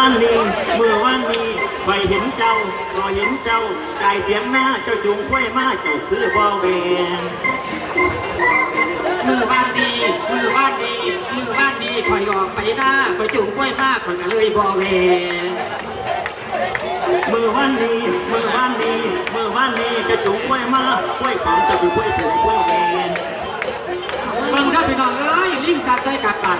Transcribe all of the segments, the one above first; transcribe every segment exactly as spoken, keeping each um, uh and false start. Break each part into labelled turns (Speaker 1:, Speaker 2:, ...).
Speaker 1: านนี้มือวานนี้ไฟเห็นเจ้าก็เห็นเจ้ากายเจียงหน้าเจ้าจุงค่อยมาเจ้าคือบ่แวง
Speaker 2: มือบ้านดีมือบ้านดีมือบ้านดีคอยออกไปหน้าคอยจุ่มกล้วยมากคอยก็เลยบ่แวง
Speaker 1: มือวานนี้มือวานนี้มือวานนี้จะจุงค่อยมาค่อยของจะเป็นค่อยผูกค่อยแวง
Speaker 2: เบิ่งครับพี่น้องเอ้ยลิงกัดใจกัดปาก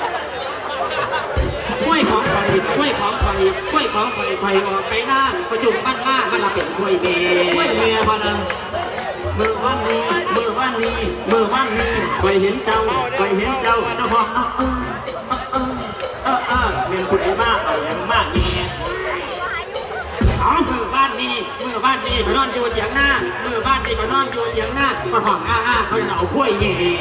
Speaker 2: กล้วยของไฟกล้วยของไฟกล้วยของไฟไฟออกไปหน้าประจุบ้านมากมันละเป็นกล้วยเมย์
Speaker 1: กล้วยเมียพนันมือวันนี้มือวันนี้มือวันนี้ไฟเห็นเจ้าไฟเห็นเจ้าเจ้าบอกเออเออเออเออเออเมียนคุณมากเอาอย่างมากเงี้ย
Speaker 2: เอามือบ้านนี้มือบ้านนี้ก็นอนอยู่เถียงหน้ามือบ้านนี้ก็นอนอยู่เถียงหน้าก็ห้องอ้าอ้าเขาเอากล้วยเมย์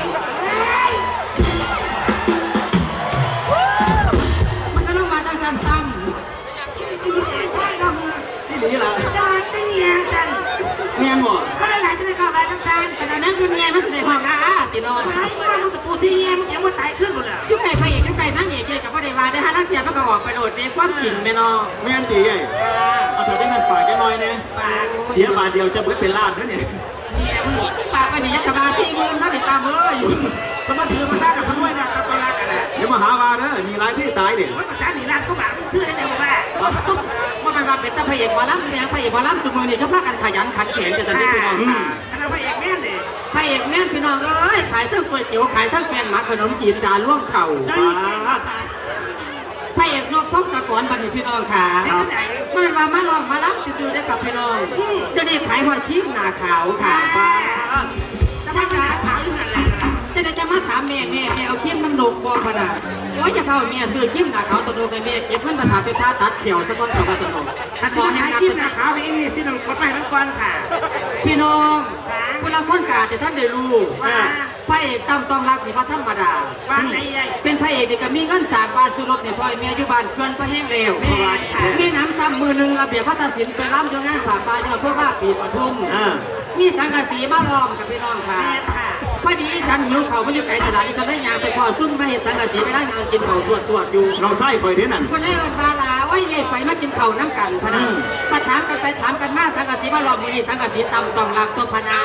Speaker 2: ตั้ม
Speaker 1: ที่นี่ล่ะ
Speaker 2: จะมาจะเงียกัน
Speaker 1: เงียหมด
Speaker 2: เขาได้หลายจะได้เข้าไปทั้งจานขณะนั้นเงินเงียมันจะได้ห้องอาอาตินอน
Speaker 3: ไอ้บ้านมึงตะปูที่เงียมันยังว่าตายขึ้นหมดเลย
Speaker 2: ยุคไก่ไฟเอกยุคไก่นั่งเอกเอกกับพ่อเดวาได้ฮะร่างเทียมมันก็ออกไปโหลดในความจริงแม่นอ
Speaker 1: แม่นตีใหญ่เอาถ้าได้เงินฝากแค่น้อยเนี่ยเสียบาทเดียวจะเบิดเป็นล้านเท่านี้
Speaker 2: เนี่ยมึงฝากไปนี่ยัดสบายสี่หมื่นถ้าติดตามเลย
Speaker 3: มันมาถือมาสร้างกับมันด้วยนะตอนแรกกันนะ
Speaker 1: เดี๋ยวมาหาว่าเด้อนี่ร้ายที่ตายเด็ก
Speaker 3: ว่าประจานหนีร้านก็บาดมันซื้อได้ไหมบอกว่า
Speaker 2: ว่าเป็นว่าเป็นตาพระเอกบอลล์เนี่ยพระเอกบอลล์สมือนี่ก็พากันขยันขันแข็งแต่ตอนนี้พี่น้องค่ะ
Speaker 3: คณะพระเอกแม่นเลย
Speaker 2: พระเอกแม่นพี่น้องเอ้ยขายทั้งก๋วยเตี๋ยวขายทั้งแป้งหมักขนมจีนจานล่วงเข่าพระเอกนกพกสะกอนบัณฑิตพี่น้องค่ะมันเป็นว่ามาลองมาล้ำจะซื้อได้กับพี่น้องจะได้ขายหอดครีมหน้าขาวค่ะจะมาถามจะได้จะมาถามแม่แม่แม่เอาครีมน้ำนมบอขนาดโอ้ยจะเข้าแม่ซื้อครีมหน้าขาวตัวโดกันแม่เก็บเงินมาถามไปพาตัดเขียวสะก้อนขาวมาสนม
Speaker 3: ขอให้ครีมหน้าขาวให้นี่สิน้ำกดไปทั้งก้อนค่ะ
Speaker 2: พี่น้องเวลาพ้นกาแต่ท่านได้รู้พระเอกตั้มต้องรักนี่พระธรรมดาเป็นพระเอกเด็กก็มีเงินสร้างบ้านซื้อรถในพ่อแม่อยู่บ้านเคลื่อนพระแห้งเร็วแม่น้ำซ้ำมือหนึ่งระเบียบพระตัดสินไปล้ำจนงานผ่าปลาเยอะเพื่อว่าปีปทุมมีสังกะสีมาล้อมกับพี่น้องค่ะพอดีฉันหิวเขาไม่อยู่ไกลตลาดที่ฉันได้ยาไปพอซุ่มมาเห็นสังกะสีไปได้งานกินเขาสวดสวดอยู่
Speaker 1: เราไส้ไฟเท่นั่น
Speaker 2: คนให้เอิญปลาลาไว้ใหญ่ไฟมากินเขาน้ำกันพนันมาถามกันไปถามกันมาสังกะสีมาล้อมมือนี้สังกะสีตำต้องรักตัวพนา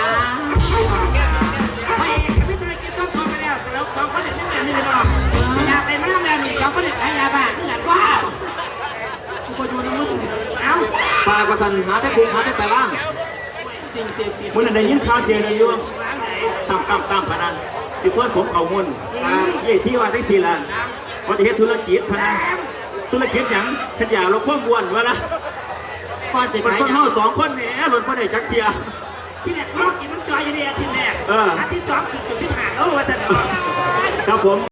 Speaker 3: ไม่ไม่เคยกินต้มตัวไปแล้วแต่แล้วสองคนเด็กนี่เงินนี่หรอกยาไปมาแล้วนี่สองคนเด็กขายยาบ้าเงินว้าว
Speaker 2: กูก็ดูน้ำมึง
Speaker 3: เอ้า
Speaker 1: ปลากระสันหาแต่คุกหาแต่ตะล่างมึงได้ยินข่าวเชียร์เลยอยู่ตามตามตามพนันจิตส่วนผมเขามุ่นยี่สี่ว่าทั้งสี่ละว่าจะเฮ็ดธุรกิจพนันธุรกิจอย่างขันยาเราควบวนวะละมันคนเท่าสองคนเนี่ยหล่นประเดี๋ยวจักเชีย
Speaker 3: ที่แรกลอกกินมันจอยอยู่เนี่ยที่แรกอาทิตย์สองคือจุดที่ผ่านแล้วว่าแต่
Speaker 1: ครับผม